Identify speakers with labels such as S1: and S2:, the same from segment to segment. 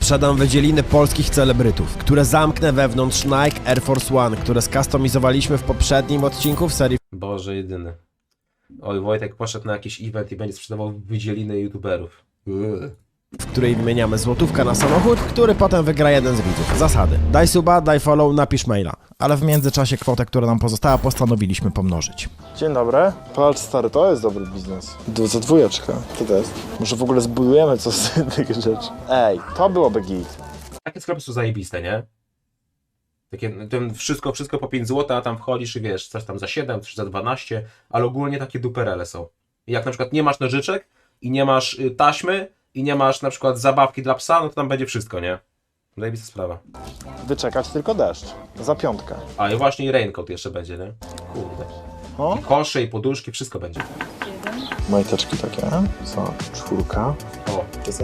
S1: Sprzedam wydzieliny polskich celebrytów, które zamknę wewnątrz Nike Air Force One, które skustomizowaliśmy w poprzednim odcinku w serii
S2: Boże jedyny. Oj, Wojtek poszedł na jakiś event i będzie sprzedawał wydzieliny youtuberów.
S1: w której wymieniamy złotówkę na samochód, który potem wygra jeden z widzów. Zasady. Daj suba, daj follow, napisz maila. Ale w międzyczasie kwotę, która nam pozostała, postanowiliśmy pomnożyć.
S3: Dzień dobry. Patrz stary, to jest dobry biznes. Za dwójeczkę. Co to jest? Może w ogóle zbudujemy coś z tych rzeczy. Ej, to byłoby git.
S2: Takie sklepy są zajebiste, nie? Takie, ten wszystko po 5 zł, a tam wchodzisz i wiesz, coś tam za 7, coś za 12, ale ogólnie takie duperele są. I jak na przykład nie masz nożyczek i nie masz taśmy i nie masz na przykład zabawki dla psa, no to tam będzie wszystko, nie? Zajebista sprawa.
S3: Wyczekać tylko deszcz. Za piątkę.
S2: A i właśnie i raincoat jeszcze będzie, nie? Kurde.
S3: O?
S2: I kosze, i poduszki, wszystko będzie.
S3: Majteczki takie. Co? 4.
S2: O,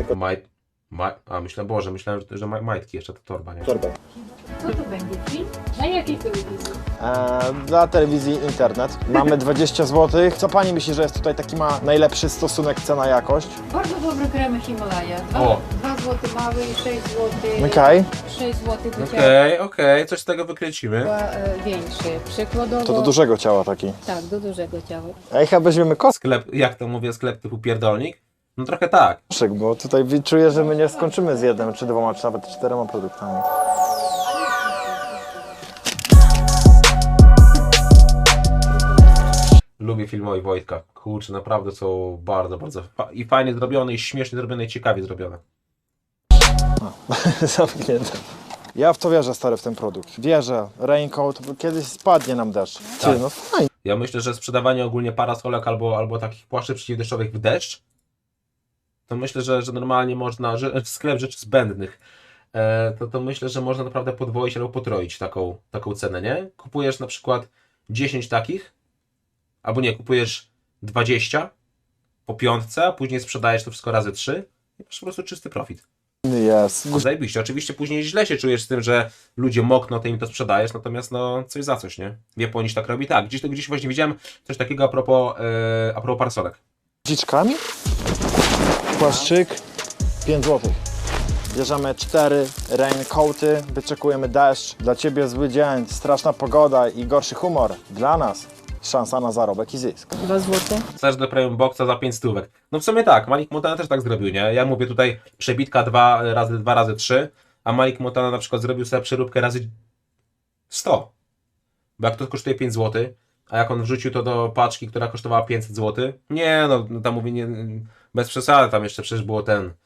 S2: myślałem, że majtki jeszcze, to torba, nie?
S3: Torba.
S4: Co to będzie film? Na jakiej telewizji?
S3: Dla telewizji internet. Mamy 20 zł. Co pani myśli, że jest tutaj taki ma najlepszy stosunek cena-jakość?
S4: Bardzo dobry kremy Himalaja.
S2: O.
S4: 2 zł mały i 6 zł.
S3: Okej.
S4: 6 zł do
S2: Okej, coś z tego wykręcimy.
S4: ciała większy. Przykładowo.
S3: To do dużego ciała taki.
S4: Tak, do dużego ciała.
S3: Ej, chyba weźmiemy
S2: Sklep, jak to mówię, sklep typu pierdolnik? No trochę tak.
S3: koszyk, bo tutaj czuję, że my nie skończymy z jednym, czy 2, czy nawet 4 produktami.
S2: Lubię filmowi Wojtka. Kurczę, naprawdę są bardzo i fajnie zrobione, i śmiesznie zrobione, i ciekawie zrobione.
S3: Zamknięte. Ja w to wierzę, stary, w ten produkt. Wierzę. Raincoat, bo kiedyś spadnie nam deszcz.
S2: Tak.
S3: Ty, no fajnie.
S2: Ja myślę, że sprzedawanie ogólnie parasolek albo takich płaszczy przeciwdeszczowych w deszcz, to myślę, że normalnie można, że sklep rzeczy zbędnych, to myślę, że można naprawdę podwoić albo potroić taką cenę, nie? Kupujesz na przykład 10 takich, albo nie, kupujesz 20 po piątce, a później sprzedajesz to wszystko razy 3 i masz po prostu czysty profit.
S3: Jest.
S2: Zajebiście. Oczywiście później źle się czujesz z tym, że ludzie mokną, ty im to sprzedajesz, natomiast no coś za coś, nie? W Japonii się tak robi. Tak, gdzieś właśnie widziałem coś takiego a propos parasolek.
S3: Dziczkami? Płaszczyk 5 zł. Bierzemy 4 raincoaty, wyczekujemy deszcz. Dla ciebie zły dzień, straszna pogoda i gorszy humor. Dla nas szansa na zarobek i zysk.
S4: 2 zł.
S2: Chcesz do premium boxa za 5 stówek. No w sumie tak, Malik Montana też tak zrobił, nie? Ja mówię tutaj przebitka 2 razy 3, a Malik Montana na przykład zrobił sobie przeróbkę razy 100. Bo jak to kosztuje 5 zł, a jak on wrzucił to do paczki, która kosztowała 500 zł, nie no, tam mówię, nie, bez przesady, tam jeszcze przecież było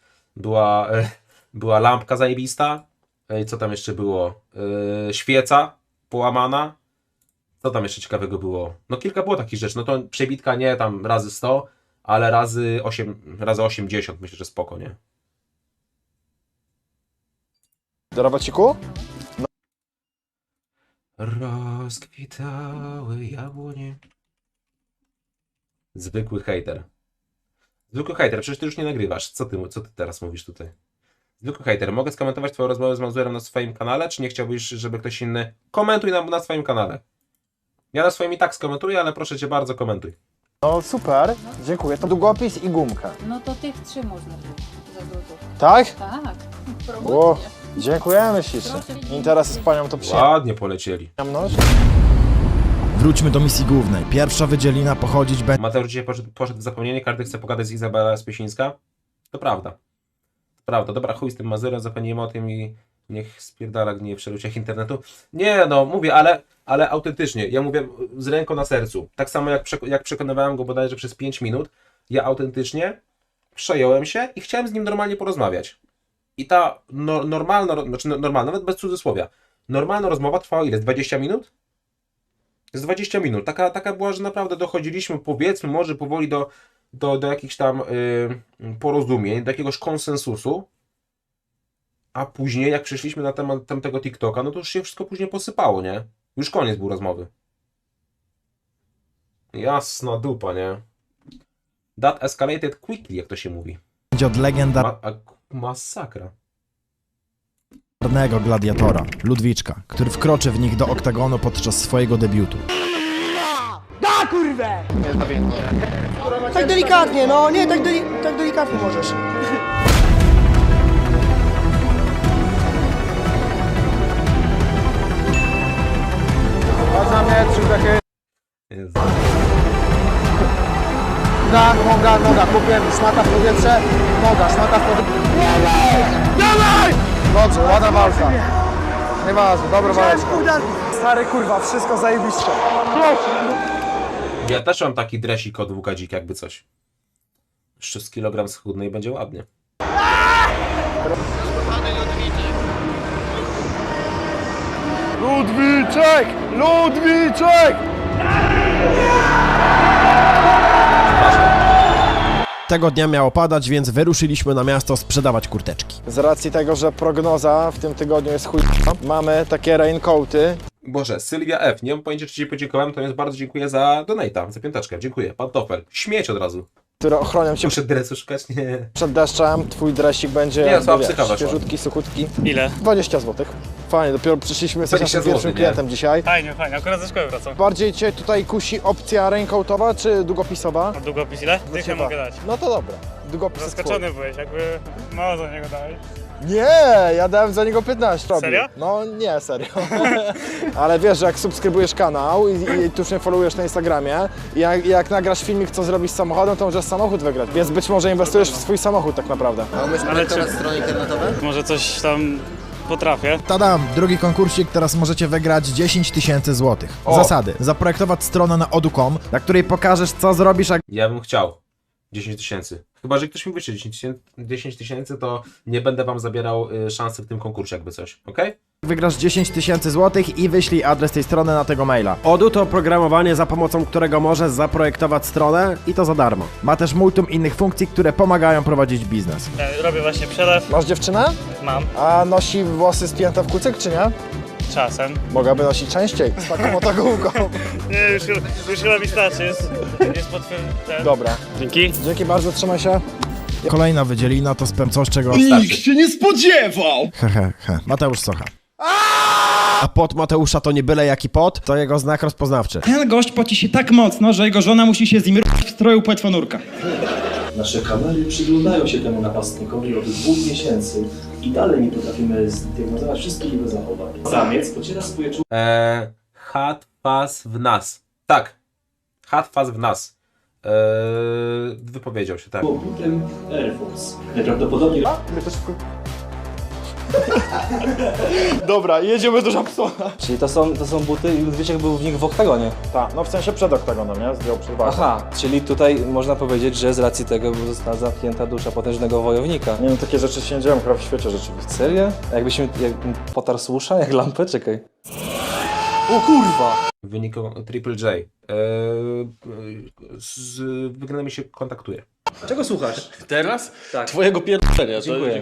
S2: była lampka zajebista, i co tam jeszcze było? Świeca połamana. Co tam jeszcze ciekawego było? No kilka było takich rzeczy, no to przebitka nie tam razy 100, ale razy 80 myślę, że spoko, nie?
S3: Do robaciku?
S2: Rozkwitały jabłonie. Zwykły hejter. Zwykły hejter, przecież ty już nie nagrywasz. Co ty teraz mówisz tutaj? Zwykły hejter, mogę skomentować twoją rozmowę z Mazurem na swoim kanale, czy nie chciałbyś, żeby ktoś inny... Komentuj na swoim kanale. Ja na swoim i tak skomentuję, ale proszę cię bardzo, komentuj.
S3: No super, dziękuję. To długopis i gumkę.
S4: No to tych 3 można wziąć za dużo.
S3: Tak?
S4: Tak.
S3: Ło,
S4: Promocja.
S3: dziękujemy ślicznie. Interes z panią to
S2: Ładnie polecieli.
S3: przyjemność.
S1: Wróćmy do misji głównej. Pierwsza wydzielina pochodzić będzie
S2: Mateusz dzisiaj poszedł w zapomnienie, każdy chce pogadać z Izabela Spiesińska. To prawda. To prawda. Dobra, chuj z tym Mazurem, zapomnijmy o tym i niech spierdala gnieje w przeluciach internetu. Nie no, mówię, ale autentycznie. Ja mówię z ręką na sercu. Tak samo jak przekonywałem go bodajże przez 5 minut, ja autentycznie przejąłem się i chciałem z nim normalnie porozmawiać. I ta normalna, nawet bez cudzysłowia, normalna rozmowa trwała ile? 20 minut? Z 20 minut. Taka była, że naprawdę dochodziliśmy, powiedzmy, może powoli do jakichś tam porozumień, do jakiegoś konsensusu, a później jak przeszliśmy na temat tamtego TikToka, no to już się wszystko później posypało, nie? Już koniec był rozmowy. Jasna dupa, nie? That escalated quickly, jak to się mówi.
S1: od
S2: Masakra.
S1: legendarnego gladiatora, Ludwiczka, który wkroczy w nich do oktagonu podczas swojego debiutu.
S5: Da kurwę! Tak delikatnie, no nie, tak delikatnie możesz.
S3: noga, kupiłem szmata w powietrze, noga, szmata w powietrze. Dawaj! Dobrze, ładna walka. Nieważne, dobra waleczka. Stary kurwa, wszystko zajebiście.
S2: Ja też mam taki dresik od WKDzik, jakby coś. Jeszcze z kilogram schudny i będzie ładnie.
S3: Ludwiczek! Ludwiczek!
S1: Tego dnia miało padać, więc wyruszyliśmy na miasto sprzedawać kurteczki.
S3: Z racji tego, że prognoza w tym tygodniu jest chuj, mamy takie raincoaty.
S2: Boże, Sylwia F. Nie mam pojęcia, czy Ci podziękowałem, to więc bardzo dziękuję za donate'a, za piąteczkę. Dziękuję. Pantofel. Śmieć od razu.
S3: Które ochronią cię
S2: Muszę dresu szukać? Nie.
S3: przed deszczem. Twój dresik będzie
S2: Nie, słaba
S3: wiesz,
S2: psycha weszła.
S3: świeżutki, suchutki.
S6: Ile?
S3: 20 zł. Fajnie, dopiero przyszliśmy, jesteś
S2: 20
S3: naszym pierwszym
S2: złotych, nie?
S3: klientem dzisiaj.
S6: Fajnie, fajnie, akurat ze szkoły wracam.
S3: Bardziej Cię tutaj kusi opcja raincoatowa czy długopisowa?
S6: A długopis ile? Dychę
S3: Chyba.
S6: mogę dać.
S3: No to dobra. Długopis jest
S6: Zaskoczony byłeś, jakby mało za niego dałeś.
S3: twój. Nie, ja dałem za niego 15. robił.
S6: Serio?
S3: No nie, serio. Ale wiesz, że jak subskrybujesz kanał i tu już mnie followujesz na Instagramie i jak nagrasz filmik, co zrobisz z samochodem, to możesz samochód wygrać. Więc być może inwestujesz w swój samochód tak naprawdę.
S6: Ale czy... strony internetowe? Może coś tam potrafię.
S1: Tadam, drugi konkursik, teraz możecie wygrać 10 000 złotych. Zasady. Zaprojektować stronę na odu.com, na której pokażesz, co zrobisz, jak
S2: Ja bym chciał 10 000. Chyba, że ktoś mi wyśle 10 000, to nie będę Wam zabierał szansy w tym konkursie, jakby coś. Okej?
S1: wygrasz 10 000 złotych i wyślij adres tej strony na tego maila. Odu to oprogramowanie, za pomocą którego możesz zaprojektować stronę i to za darmo. Ma też multum innych funkcji, które pomagają prowadzić biznes.
S6: Ja robię właśnie przelew.
S3: Masz dziewczynę?
S6: Mam.
S3: A nosi włosy spięte w kucyk, czy nie?
S6: Czasem.
S3: Mogłaby nosić częściej, z taką oto główką.
S6: Nie, już chyba mi starczy. Jest potwierdzone.
S3: Dobra.
S6: Dzięki.
S3: Dzięki bardzo, trzymaj się.
S1: Kolejna wydzielina to spam coś, czego...
S2: Starczy.
S5: się nie spodziewał!
S1: He. Mateusz Socha. A pot Mateusza to nie byle jaki pot, to jego znak rozpoznawczy.
S7: Ten gość poci się tak mocno, że jego żona musi się z nim w stroju płetwonurka.
S8: Nasze kamery przyglądają się temu napastnikowi od 2 miesięcy i dalej nie potrafimy zdiagnozować wszystkich jego zachowań. Samiec pociera swoje
S2: Hat faz w nas. Tak. Hat faz w nas. Wypowiedział się, tak.
S8: butem Air Force. Najprawdopodobniej
S3: Dobra, jedziemy do Żabsona.
S9: Czyli to są buty i Ludwiczek był w nich w oktagonie.
S3: Tak, no w sensie przed oktagonem, nie? Zdjął przed walką.
S9: Aha, czyli tutaj można powiedzieć, że z racji tego została zamknięta dusza potężnego wojownika.
S3: Nie wiem, takie rzeczy się nie dzieją chyba w świecie rzeczywiście.
S9: Serio? Jakbym potarł słusza, jak lampę? Czekaj. O kurwa!
S2: W wyniku Triple J. Z wygranym się kontaktuje.
S9: Czego słuchasz?
S5: Teraz?
S9: Tak.
S5: Twojego pierdolenia.
S9: Dziękuję.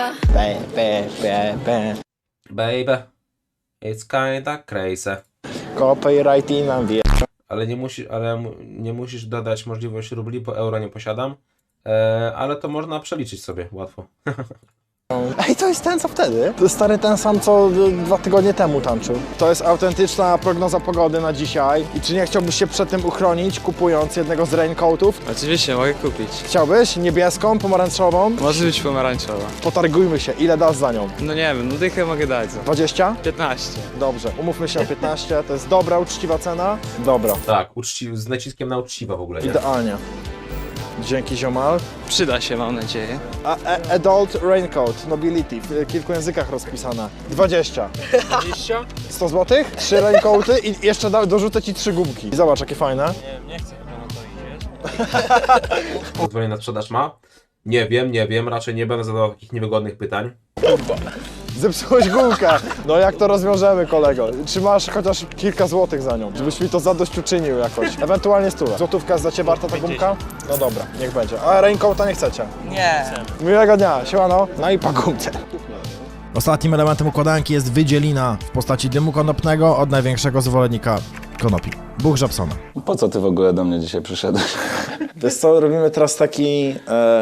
S2: Baby, it's kinda crazy.
S3: Copyright i nam wie.
S2: Ale nie musisz dodać możliwości rubli, bo euro nie posiadam. Ale to można przeliczyć sobie łatwo.
S3: Ej, to jest ten co wtedy? To jest stary ten sam, co 2 tygodnie temu tańczył. To jest autentyczna prognoza pogody na dzisiaj. I czy nie chciałbyś się przed tym uchronić, kupując jednego z raincoatów?
S10: Oczywiście, mogę kupić.
S3: Chciałbyś? Niebieską, pomarańczową?
S10: Może być pomarańczowa.
S3: Potargujmy się, ile dasz za nią?
S10: No nie wiem, no dychę mogę dać za
S3: 20?
S10: 15.
S3: Dobrze, umówmy się na 15, to jest dobra, uczciwa cena? Dobra,
S2: Tak, z naciskiem na uczciwa w ogóle. Nie?
S3: idealnie. Dzięki ziomal.
S10: Przyda się, mam nadzieję.
S3: Adult Raincoat, Nobility, w kilku językach rozpisane. 20.
S10: 20?
S3: 100 zł? 3 raincoaty i jeszcze dorzucę ci 3 gumki. Zobacz, jakie fajne.
S6: Nie chcę chyba na to iść, wiesz?
S2: Pozwolenie na sprzedaż ma? Nie wiem, raczej nie będę zadawał takich niewygodnych pytań.
S3: Zepsułeś gumkę. No jak to rozwiążemy, kolego? Czy masz chociaż kilka złotych za nią? Żebyś mi to zadośćuczynił jakoś. Ewentualnie 100. Złotówka jest za ciebie warta ta gumka? No dobra, niech będzie. A raincoata nie chcecie?
S6: Nie.
S3: Miłego dnia, siemano. No i po gumce.
S1: Ostatnim elementem układanki jest wydzielina w postaci dymu konopnego od największego zwolennika konopi. Bóg Żabsona.
S11: Po co ty w ogóle do mnie dzisiaj przyszedłeś?
S3: Wiesz co, robimy teraz taki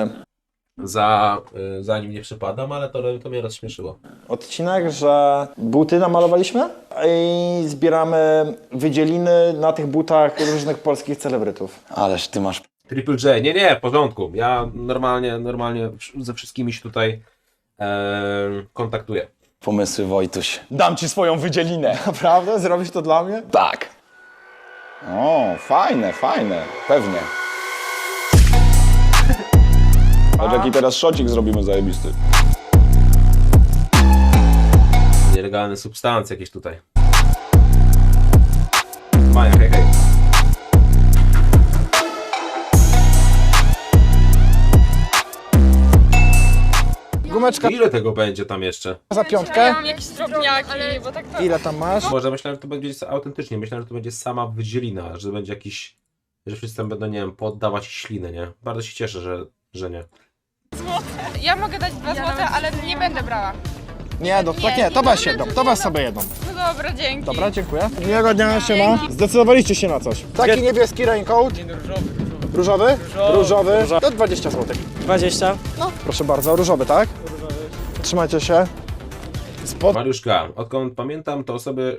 S2: Za nim nie przypadam, ale to mnie rozśmieszyło.
S3: odcinek, że buty namalowaliśmy i zbieramy wydzieliny na tych butach różnych polskich celebrytów.
S11: Ależ ty masz...
S2: Triple J, nie, w porządku. Ja normalnie ze wszystkimi się tutaj kontaktuję.
S11: pomysły, Wojtuś.
S3: Dam ci swoją wydzielinę. Naprawdę? Zrobisz to dla mnie?
S11: Tak! O, fajne, pewnie. Patrz jaki teraz szocik zrobimy zajebisty.
S2: Nielegalne substancje jakieś tutaj. Maja, hej, hej.
S3: Gumeczka
S2: Ile tego będzie tam jeszcze?
S3: za piątkę.
S12: Mam jakieś drobniaki, bo tak to...
S3: Ile tam masz?
S2: Może myślałem, że to będzie autentycznie. Myślałem, że to będzie sama wydzielina, że będzie jakiś... Że wszyscy tam będą, nie wiem, poddawać ślinę, nie? Bardzo się cieszę, że nie.
S12: Ja mogę dać 2 złote, ale nie będę brała.
S3: Nie, tak nie, to weź jedną, to weź sobie jedną.
S12: No dobra, dzięki.
S3: Dobra, dziękuję. Miłego dnia, siema. Zdecydowaliście się na coś. Taki niebieski raincoat. Różowy? Różowy. To 20 zł.
S7: 20.
S3: No, proszę bardzo, różowy, tak? Trzymajcie się.
S2: Mariuszka, odkąd pamiętam, to osoby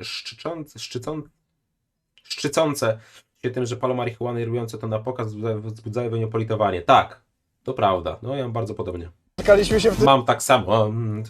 S2: szczycące się tym, że palą marihuanę i robiące to na pokaz wzbudzają we mnie politowanie. Tak, to prawda. No ja mam bardzo podobnie.
S3: Spotkaliśmy się w tym
S2: Mam tak samo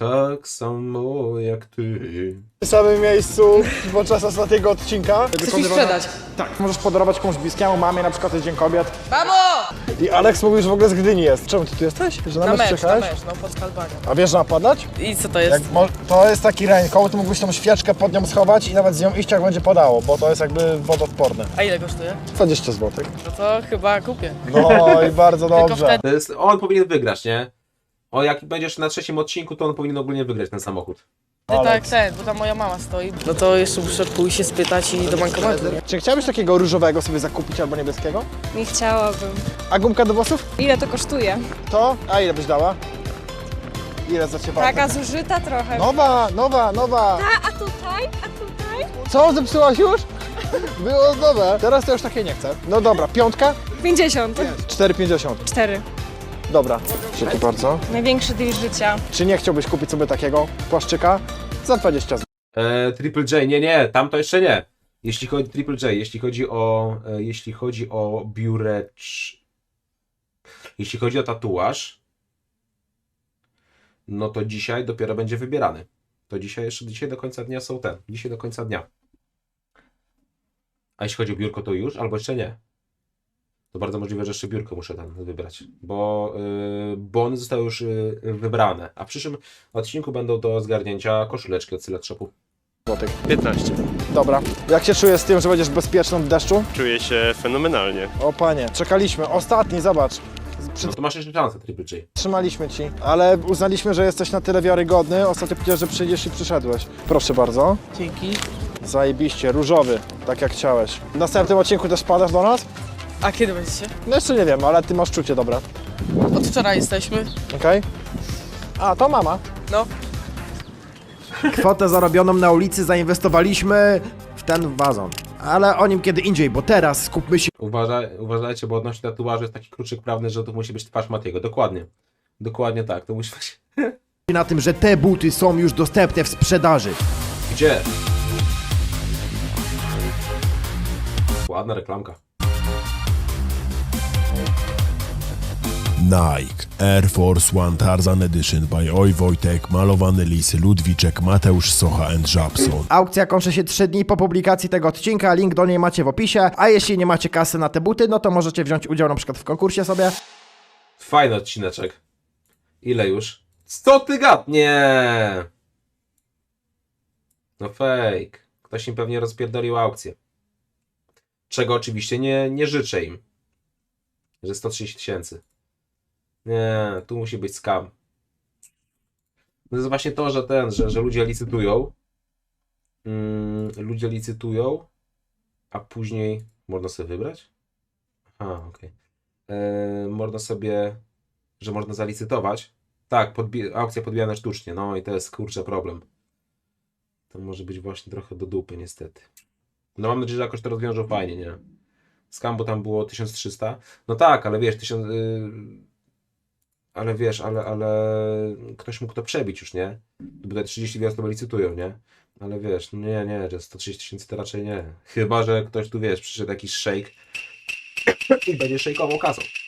S2: jak ty.
S3: samym miejscu podczas ostatniego odcinka. Chcesz mi sprzedać? Tak, możesz podarować komuś bliskiemu, mamie, na przykład jest Dzień Kobiet.
S12: Mamo!
S3: I Aleks mówił, że w ogóle z Gdyni jest. Czemu ty tu jesteś? Że na mecz przyjechałeś?
S12: no pod Skalbanią.
S3: A wiesz, że napadać?
S12: I co to jest?
S3: To jest taki raincoat, mógłbyś tą świeczkę pod nią schować i nawet z nią iść jak będzie padało, bo to jest jakby wodoodporne.
S12: A ile kosztuje?
S3: 20 zł.
S12: No to chyba kupię.
S3: No i bardzo dobrze.
S2: To jest, on powinien wygrać, nie? O, jak będziesz na trzecim odcinku, to on powinien ogólnie wygrać ten samochód.
S12: Tak, bo tam moja mama stoi. No to jeszcze muszę pójść się spytać i do bankomatu.
S3: Czy chciałbyś takiego różowego sobie zakupić albo niebieskiego?
S4: Nie chciałabym.
S3: A gumka do włosów?
S4: Ile to kosztuje?
S3: To? A ile byś dała? Ile za ciebie?
S4: Taka zużyta trochę.
S3: Nowa.
S4: A tutaj?
S3: Co, zepsułaś już? Było nowe. Teraz to już takie nie chcę. No dobra, piątka?
S4: 50.
S3: 4,50.
S4: 4.
S3: Dobra. Dzięki bardzo.
S4: Największy deal życia.
S3: Czy nie chciałbyś kupić sobie takiego płaszczyka? Za 20 zł.
S2: Triple J, nie, tam to jeszcze nie. Jeśli chodzi Triple J, jeśli chodzi o biurecz, jeśli chodzi o tatuaż, no to dzisiaj dopiero będzie wybierany. To dzisiaj do końca dnia są dzisiaj do końca dnia. A jeśli chodzi o biurko, to już, albo jeszcze nie. To bardzo możliwe, że jeszcze biurko muszę tam wybrać, bo one zostały już wybrane. A w przyszłym odcinku będą do zgarnięcia koszuleczki od Sylet Shopu.
S5: 15.
S3: Dobra. Jak się czujesz z tym, że będziesz bezpieczną w deszczu?
S5: Czuję się fenomenalnie.
S3: O panie, czekaliśmy. Ostatni, zobacz.
S2: No to masz jeszcze szansę, Triple J.
S3: Trzymaliśmy ci, ale uznaliśmy, że jesteś na tyle wiarygodny. Ostatnio powiedziałeś, że przyjdziesz i przyszedłeś. Proszę bardzo.
S12: Dzięki.
S3: Zajebiście, różowy, tak jak chciałeś. W następnym odcinku też wpadasz do nas?
S12: A kiedy będziecie?
S3: No jeszcze nie wiem, ale ty masz czucie dobre.
S12: Od wczoraj jesteśmy.
S3: Okej? A, to mama.
S12: No.
S1: Kwotę zarobioną na ulicy zainwestowaliśmy w ten wazon. Ale o nim kiedy indziej, bo teraz skupmy się
S2: Uważajcie, bo odnośnie tatuażu jest taki kluczyk prawny, że to musi być twarz Matiego. Dokładnie. Dokładnie tak, to musi być.
S1: na tym, że te buty są już dostępne w sprzedaży.
S2: Gdzie? Ładna reklamka.
S13: Nike Air Force One Tarzan Edition by Oj Wojtek, malowany lisy Ludwiczek, Mateusz Socha and Żabson.
S1: Aukcja kończy się 3 dni po publikacji tego odcinka, link do niej macie w opisie, a jeśli nie macie kasy na te buty, no to możecie wziąć udział na przykład w konkursie sobie.
S2: Fajny odcineczek. Ile już? 100 tygat! Nie! No fake. Ktoś im pewnie rozpierdolił aukcję. Czego oczywiście nie życzę im. Że 130 000. Nie, tu musi być scam. To jest właśnie to, że ludzie licytują. Ludzie licytują, a później można sobie wybrać? Aha, okej. Można sobie, że można zalicytować. Tak, aukcja podbijana sztucznie. No i to jest kurczę problem. To może być właśnie trochę do dupy niestety. No mam nadzieję, że jakoś to rozwiążą fajnie, nie? Scam, bo tam było 1300. No tak, ale wiesz, 1000... ale wiesz, ale ktoś mógł to przebić już, nie? Bo te 30 gwiazd to licytują, nie? Ale wiesz, nie, że 130 000 to raczej nie. Chyba że ktoś tu, wiesz, przyszedł jakiś szejk i będzie szejkował kasą.